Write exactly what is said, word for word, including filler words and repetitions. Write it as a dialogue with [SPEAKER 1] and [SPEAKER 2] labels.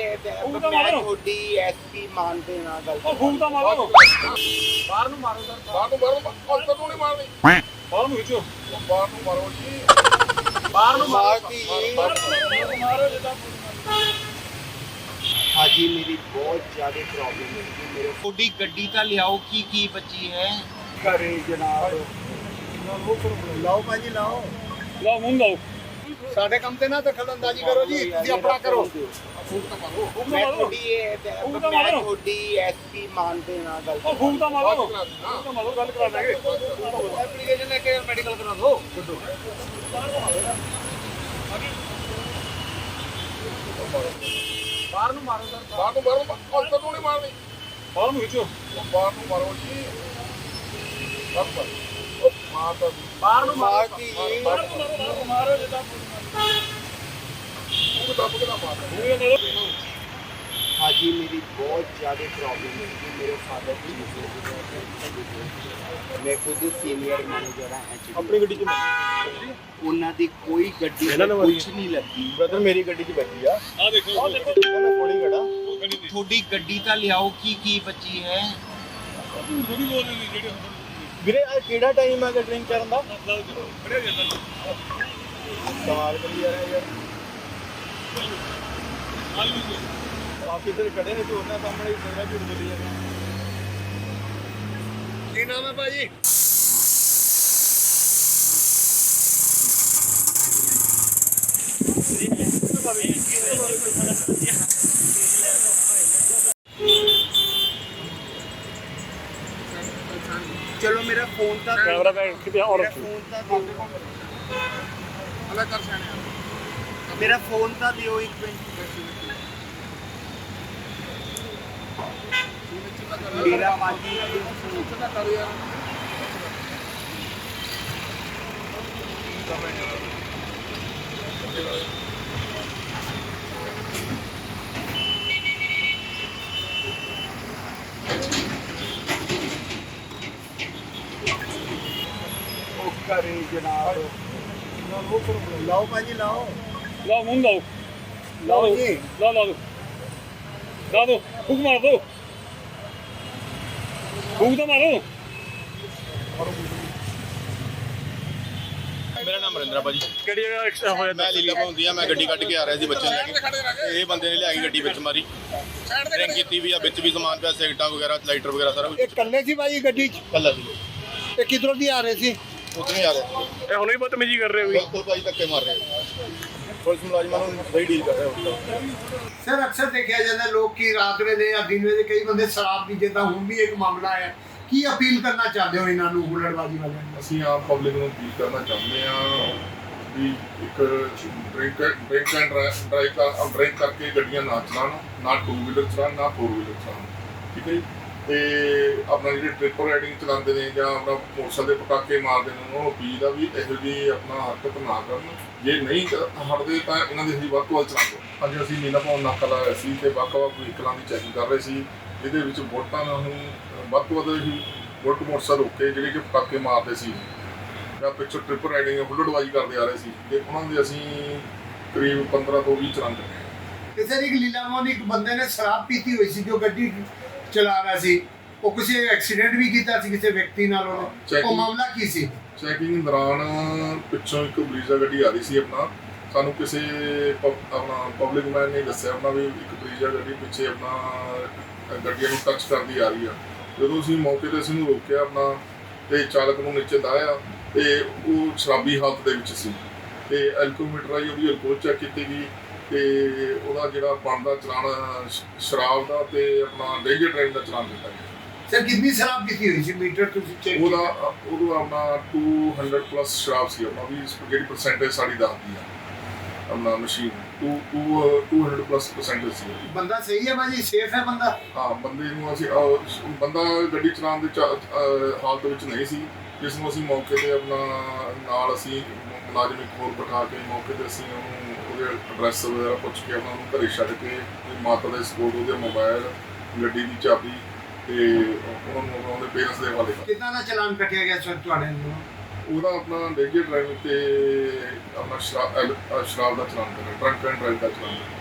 [SPEAKER 1] ਮੈਂ ਤੁਹਾਡੀ ਐਸਪੀ ਮਾਨਦੇ ਨਾਲ ਗੱਲ
[SPEAKER 2] ਉਹ ਫੂਕ ਤਾਂ ਮਾਰੋ
[SPEAKER 3] ਬਾਹਰ ਨੂੰ ਮਾਰੋ ਸਰ ਬਾਹਰ ਨੂੰ ਮਾਰੋ ਅੰਦਰ ਨੂੰ ਨਹੀਂ ਮਾਰਨੀ
[SPEAKER 2] ਬਾਹਰ ਨੂੰ ਖਿੱਚੋ
[SPEAKER 3] ਬਾਹਰ ਨੂੰ ਮਾਰੋ ਜੀ ਬਾਹਰ ਨੂੰ ਮਾਰੋ
[SPEAKER 1] ਮਾਰਤੀ
[SPEAKER 2] ਮਾਰੋ ਜਿੱਦਾਂ
[SPEAKER 1] ਹਾਜੀ ਮੇਰੀ ਬਹੁਤ ਜ਼ਿਆਦਾ ਪ੍ਰੋਬਲਮ ਹੈ ਕਿ ਮੇਰੇ ਤੁਹਾਡੀ ਗੱਡੀ ਤਾਂ ਲਿਆਓ ਕੀ ਕੀ ਬਚੀ ਹੈ ਘਰੇ ਜਨਾਬ
[SPEAKER 3] ਲਾਓ ਭਾਜੀ ਲਾਓ
[SPEAKER 2] ਲਾਓ ਮੂੰਹ ਲਾਓ
[SPEAKER 3] ਸਾਡੇ ਕੰਮ ਤੇ ਨਾ ਦਖਲਅੰਦਾਜ਼ੀ ਕਰੋ ਜੀ ਤੁਸੀਂ ਆਪਣਾ ਕਰੋ
[SPEAKER 1] ਮੈਂ ਤੁਹਾਡੀ ਇਹ ਮੈਂ ਤੁਹਾਡੀ ਐਸਪੀ ਮਾਨਦੇ ਨਾਲ ਗੱਲ
[SPEAKER 2] ਉਹ ਫੂਕ ਤਾਂ ਮਾਰੋ ਫੂਕ ਤਾਂ ਮਾਰੋ ਗੱਲ ਕਰਾ ਦਾਂਗੇ
[SPEAKER 3] ਐਪਲੀਕੇਸ਼ਨ ਲੈ ਕੇ ਮੈਡੀਕਲ ਕਰਾ ਦਿਓ ਬਾਹਰ ਨੂੰ ਮਾਰੋ ਸਰ ਬਾਹਰ ਨੂੰ ਮਾਰੋ ਅੰਦਰ ਨੂੰ ਨਹੀਂ ਮਾਰਨੀ
[SPEAKER 2] ਬਾਹਰ ਨੂੰ ਖਿੱਚੋ
[SPEAKER 3] ਬਾਹਰ ਨੂੰ ਮਾਰੋ ਜੀ ਬਾਹਰ ਉਹ ਮਾਰਦਾ ਬਾਹਰ ਨੂੰ
[SPEAKER 1] ਮਾਰਤੀ
[SPEAKER 2] ਮਾਰੋ ਮਾਰੋ ਜਿੱਦਾਂ
[SPEAKER 3] ਉਹ ਦੱਬ ਕੇ ਨਾ ਮਾਰ
[SPEAKER 1] ਹਾਜੀ ਮੇਰੀ ਬਹੁਤ ਜ਼ਿਆਦਾ ਪ੍ਰੋਬਲਮ ਹੈ ਕਿ ਮੇਰੇ ਫਾਦਰ ਦੀ ਮੈਂ ਖੁਦ ਸੀਨੀਅਰ ਮੈਨੇਜਰ ਹਾਂ
[SPEAKER 3] ਆਪਣੀ ਗੱਡੀ 'ਚ
[SPEAKER 1] ਉਹਨਾਂ ਦੀ ਕੋਈ ਗੱਡੀ ਕੁਝ ਨਹੀਂ ਲੱਗੀ
[SPEAKER 3] ਬ੍ਰਦਰ ਮੇਰੀ ਗੱਡੀ 'ਚ ਬੈਠੀ ਆ
[SPEAKER 2] ਆ ਦੇਖੋ ਆ ਦੇਖੋ
[SPEAKER 3] ਮੈਂ ਕੋਲੀ ਖੜਾ
[SPEAKER 1] ਤੁਹਾਡੀ ਗੱਡੀ ਤਾਂ ਲਿਆਓ ਕੀ ਕੀ ਬਚੀ ਹੈ
[SPEAKER 2] ਥੋੜੀ ਬੋਲ ਨਹੀਂ ਜਿਹੜੇ
[SPEAKER 3] ਵੀਰੇ ਆ ਕਿਹੜਾ ਟਾਈਮ ਹੈ ਡਰਿੰਕ ਕਰਨ ਦਾ
[SPEAKER 2] ਖੜਿਆ ਜਾਂਦਾ
[SPEAKER 3] ਕਮਾਲ ਕਰੀ ਜਾ ਰਿਹਾ ਯਾਰ
[SPEAKER 2] ਆਲੂ
[SPEAKER 3] ਆਪ ਕਿੱਧਰ ਖੜੇ ਨੇ ਤੇ ਉਹਨਾਂ ਸਾਹਮਣੇ ਮੇਰਾ ਝੂਠ ਬੋਲੀ ਜਾਂਦਾ ਕੀ ਨਾਮ ਹੈ ਭਾਜੀ
[SPEAKER 1] ਚਲੋ ਮੇਰਾ ਫੋਨ ਤਾਂ
[SPEAKER 2] ਕੈਮਰਾ ਬੈਕ ਕਿਤੇ ਔਰ
[SPEAKER 1] ਮੇਰਾ ਫੋਨ ਤਾਂ ਦਿਓ
[SPEAKER 3] ਅਲੱਗ ਕਰ ਸਿਆਣਿਆ
[SPEAKER 1] ਮੇਰਾ ਫੋਨ ਤਾਂ ਦਿਓ ਇੱਕ ਮਿੰਟ ਮੇਰਾ ਮਾਜੀ
[SPEAKER 3] ਕਰ ਯਾਰ
[SPEAKER 1] ਉਹ ਘਰੇ ਜਨਾਬ
[SPEAKER 3] ਲਾਓ ਭਾਜੀ ਲਾਓ
[SPEAKER 2] ਲਾਓ ਮੂੰਹ ਲਾਓ
[SPEAKER 3] ਲਾਓ ਜੀ
[SPEAKER 2] ਲਾ ਲਾ ਦੋ ਲਾ ਦੋ ਫੂਕ ਮਾਰ ਦੋ ਫੂਕ ਤਾਂ ਮਾਰੋ
[SPEAKER 4] ਮੇਰਾ ਨਾਮ ਮਰਿੰਦਰਾ ਭਾਜੀ
[SPEAKER 2] ਕਿਹੜੀ ਜਗ੍ਹਾ ਐਕਸੀਡੈਂਟ ਹੋਇਆ
[SPEAKER 4] ਮੈਂ ਲੀਲਾ ਪਾਉਂਦੀ ਆ ਮੈਂ ਗੱਡੀ ਕੱਢ ਕੇ ਆ ਰਿਹਾ ਸੀ ਬੱਚੇ ਨੂੰ ਲੈ ਕੇ ਇਹ ਬੰਦੇ ਨੇ ਲਿਆ ਕੇ ਗੱਡੀ ਵਿੱਚ ਮਾਰੀ ਡਰਿੰਕ ਕੀਤੀ ਵੀ ਆ ਵਿੱਚ ਵੀ ਸਮਾਨ ਪਿਆ ਸਿਗਰਟਾਂ ਵਗੈਰਾ ਲਾਈਟਰ ਵਗੈਰਾ ਸਾਰਾ
[SPEAKER 3] ਇਹ ਕੱਲੇ ਸੀ ਭਾਜੀ ਗੱਡੀ 'ਚ
[SPEAKER 4] ਕੱਲਾ ਸੀ
[SPEAKER 3] ਇਹ ਕਿਧਰੋਂ ਦੀ ਆ ਰਹੇ ਸੀ
[SPEAKER 4] ਉੱਥੇ ਨਹੀਂ ਆ ਰਿਹਾ
[SPEAKER 2] ਇਹ ਹੁਣੇ ਹੀ ਬਦਤਮੀਜ਼ੀ ਕਰ ਰਹੇ ਹੋ ਵੀ
[SPEAKER 4] ਬਿਲਕੁਲ ਭਾਜੀ ਧੱਕੇ ਮਾਰ ਰਹੇ ਪੁਲਿਸ ਮੁਲਾਜ਼ਮਾਂ ਨੂੰ ਸਹੀ ਡੀਲ ਕਰ ਰਿਹਾ
[SPEAKER 3] ਸਰ ਅਕਸਰ ਦੇਖਿਆ ਜਾਂਦਾ ਲੋਕ ਕੀ ਰਾਤ ਵੇਲੇ ਜਾਂ ਦਿਨ ਵੇਲੇ ਕਈ ਬੰਦੇ ਸ਼ਰਾਬ ਪੀ ਜਿੱਦਾਂ ਹੁਣ ਵੀ ਇੱਕ ਮਾਮਲਾ ਹੈ ਕੀ ਅਪੀਲ ਕਰਨਾ ਚਾਹੁੰਦੇ ਹੋ ਇਹਨਾਂ ਨੂੰ ਹੁੱਲੜਬਾਜ਼ੀ ਵਾਲਿਆਂ ਨੂੰ
[SPEAKER 5] ਅਸੀਂ ਆਮ ਪਬਲਿਕ ਨੂੰ ਅਪੀਲ ਕਰਨਾ ਚਾਹੁੰਦੇ ਹਾਂ ਵੀ ਇੱਕ ਡਰਿੰਕ ਡਰਿੰਕ ਐਂਡ ਡਰਾਈਵ ਕਰ ਡਰਿੰਕ ਕਰਕੇ ਗੱਡੀਆਂ ਨਾ ਚਲਾਉਣ ਨਾ ਟੂ ਵੀਲਰ ਚਲਾਉਣ ਨਾ ਫੋਰ ਵੀਲਰ ਚਲਾਉਣ ਠੀਕ ਹੈ ਜੀ ਤੇ ਆਪਣਾ ਜਿਹੜੇ ਟ੍ਰਿਪਲ ਰਾਈਡਿੰਗ ਚਲਾਉਂਦੇ ਨੇ ਜਾਂ ਆਪਣਾ ਮੋਟਰਸਾਈਕਲ ਦੇ ਪਟਾਕੇ ਮਾਰਦੇ ਨੇ ਉਹਨਾਂ ਨੂੰ ਅਪੀਲ ਆ ਵੀ ਇਹੋ ਜਿਹੀ ਆਪਣਾ ਹਰਕਤ ਨਾ ਕਰਨ ਜੇ ਨਹੀਂ ਹਟਦੇ ਤਾਂ ਇਹਨਾਂ ਦੇ ਅਸੀਂ ਵੱਧ ਤੋਂ ਵੱਧ ਚਲਾਉਂਦੇ ਅੱਜ ਅਸੀਂ ਨੀਲਾ ਪੌਣ ਨਾਕਾ ਲਾਇਆ ਸੀ ਤੇ ਵੱਖ-ਵੱਖ ਵਹੀਕਲਾਂ ਦੀ ਚੈਕਿੰਗ ਕਰ ਰਹੇ ਸੀ ਇਹਦੇ ਵਿੱਚ ਵੋਟਾਂ ਨੂੰ ਵੱਧ ਤੋਂ ਵੱਧ ਹੀ ਵੋਟ ਮੋਟਰਸਾਈਕਲ ਰੋਕੇ ਜਿਹੜੇ ਕਿ ਪਟਾਕੇ ਮਾਰਦੇ ਸੀ ਜਾਂ ਪਿੱਛੋਂ ਟ੍ਰਿਪਲ ਰਾਈਡਿੰਗ ਹੁੱਲੜਬਾਜ਼ੀ ਕਰਦੇ ਆ ਰਹੇ ਸੀ ਤੇ ਉਹਨਾਂ ਦੇ ਅਸੀਂ ਕਰੀਬ ਪੰਦਰਾਂ ਤੋਂ ਵੀਹ ਚਲਾਨ ਕੱਟੇ
[SPEAKER 3] ਕਿਸੇ ਦੀ ਲੀਲਾਵਾਂ ਦੀ ਇੱਕ ਬੰਦੇ ਨੇ ਸ਼ਰਾਬ ਪੀਤੀ ਹੋਈ ਸੀ ਜੋ ਗੱਡੀ ਚਲਾ ਰਿਹਾ ਸੀ ਉਹ ਕਿਸੇ ਐਕਸੀਡੈਂਟ ਵੀ ਕੀਤਾ ਸੀ ਕਿਸੇ ਵਿਅਕਤੀ ਨਾਲ ਉਹਨੇ ਉਹ ਮਾਮਲਾ ਕੀ ਸੀ
[SPEAKER 5] ਚੈਕਿੰਗ ਦੌਰਾਨ ਪਿੱਛੋਂ ਇੱਕ ਬਰੀਜ਼ਾ ਗੱਡੀ ਆ ਰਹੀ ਸੀ ਆਪਣਾ ਸਾਨੂੰ ਕਿਸੇ ਪਬ- ਆਪਣਾ ਪਬਲਿਕ ਮੈਨ ਨੇ ਦੱਸਿਆ ਆਪਣਾ ਵੀ ਇੱਕ ਬਰੀਜ਼ਾ ਗੱਡੀ ਪਿੱਛੇ ਆਪਣਾ ਗੱਡੀਆਂ ਨੂੰ ਟੱਚ ਕਰਦੀ ਆ ਰਹੀ ਆ ਜਦੋਂ ਅਸੀਂ ਮੌਕੇ ਤੇ ਅਸੀਂ ਨੂੰ ਰੋਕਿਆ ਆਪਣਾ ਤੇ ਚਾਲਕ ਨੂੰ ਨੀਚੇ ਲਾਇਆ ਤੇ ਉਹ ਸ਼ਰਾਬੀ ਹਾਲਤ ਦੇ ਵਿੱਚ ਸੀ ਤੇ ਐਲਕੋਮੀਟਰ ਆਈ ਉਹਦੀ ਅਲਕੋਹਲ ਚੈੱਕ ਕੀਤੀ ਗਈ ਤੇ ਉਹਦਾ ਜਿਹੜਾ ਬਣਦਾ ਚਲਾਨ ਸ਼ਰਾਬ ਦਾ ਤੇ ਆਪਣਾ ਡੇਂਜਰ ਡਰਾਈਵ ਦਾ ਚਲਾਨ ਦਿੱਤਾ ਗਿਆ
[SPEAKER 3] ਸਰ ਕਿੰਨੀ ਸ਼ਰਾਬ ਪੀਤੀ ਹੋਈ ਸੀ ਮੀਟਰ ਤੁਸੀਂ ਚੈੱਕ
[SPEAKER 5] ਉਹਦਾ ਉਹਦਾ ਆਪਣਾ ਦੋ ਸੌ ਪਲੱਸ ਸ਼ਰਾਬ ਸੀ ਆਪਣਾ ਵੀ ਜਿਹੜੀ ਪਰਸੈਂਟੇਜ ਸਾਡੀ ਦੱਸਦੀ ਆ ਆਪਣਾ ਮਸ਼ੀਨ ਦੋ ਸੌ ਪਲੱਸ ਪਰਸੈਂਟੇਜ ਸੀ
[SPEAKER 3] ਬੰਦਾ ਸਹੀ ਹੈ ਭਾਜੀ ਸੇਫ ਹੈ ਬੰਦਾ
[SPEAKER 5] ਹਾਂ ਬੰਦੇ ਨੂੰ ਅਸੀਂ ਅਹ, ਬੰਦਾ ਗੱਡੀ ਚਲਾਉਣ ਦੇ ਚ- ਅਹ, ਹਾਲਤ ਵਿੱਚ ਨਹੀਂ ਸੀ ਜਿਸ ਨੂੰ ਅਸੀਂ ਮੌਕੇ ਤੇ ਆਪਣਾ ਨਾਲ ਅਸੀਂ ਮੁਲਾਜ਼ਮ ਇੱਕ ਹੋਰ ਬਿਠਾ ਕੇ ਮੌਕੇ ਤੇ ਅਸੀਂ ਉਹਨੂੰ ਉਹਦੇ ਐਡਰੈਸ ਵਗੈਰਾ ਪੁੱਛ ਕੇ ਉਹਨਾਂ ਨੂੰ ਘਰੇ ਛੱਡ ਕੇ ਉਹਦੀ ਮਾਤਾ ਦੇ ਸਪੋਰਟ ਉਹਦੇ ਮੋਬਾਈਲ ਗੱਡੀ ਦੀ ਚਾਬੀ ਤੇ ਉਹਨਾਂ ਨੂੰ ਉਹਦੇ ਪੇਰੈਂਟਸ ਦੇ ਹਵਾਲੇ ਕਰ
[SPEAKER 3] ਕਿੰਨਾ ਦਾ ਚਲਾਨ ਕੱਟਿਆ ਗਿਆ ਸਰ ਤੁਹਾਡੇ ਨੂੰ
[SPEAKER 5] ਉਹਦਾ ਆਪਣਾ ਡੇਂਜਰ ਡਰਾਈਵਿੰਗ ਤੇ ਆਪਣਾ ਸ਼ਰਾਬ ਅਹ, ਸ਼ਰਾਬ ਦਾ ਚਲਾਨ ਕਰਨਾ ਡਰੰਕ ਐਂਡ ਡਰਾਈਵ ਦਾ ਚਲਾਨ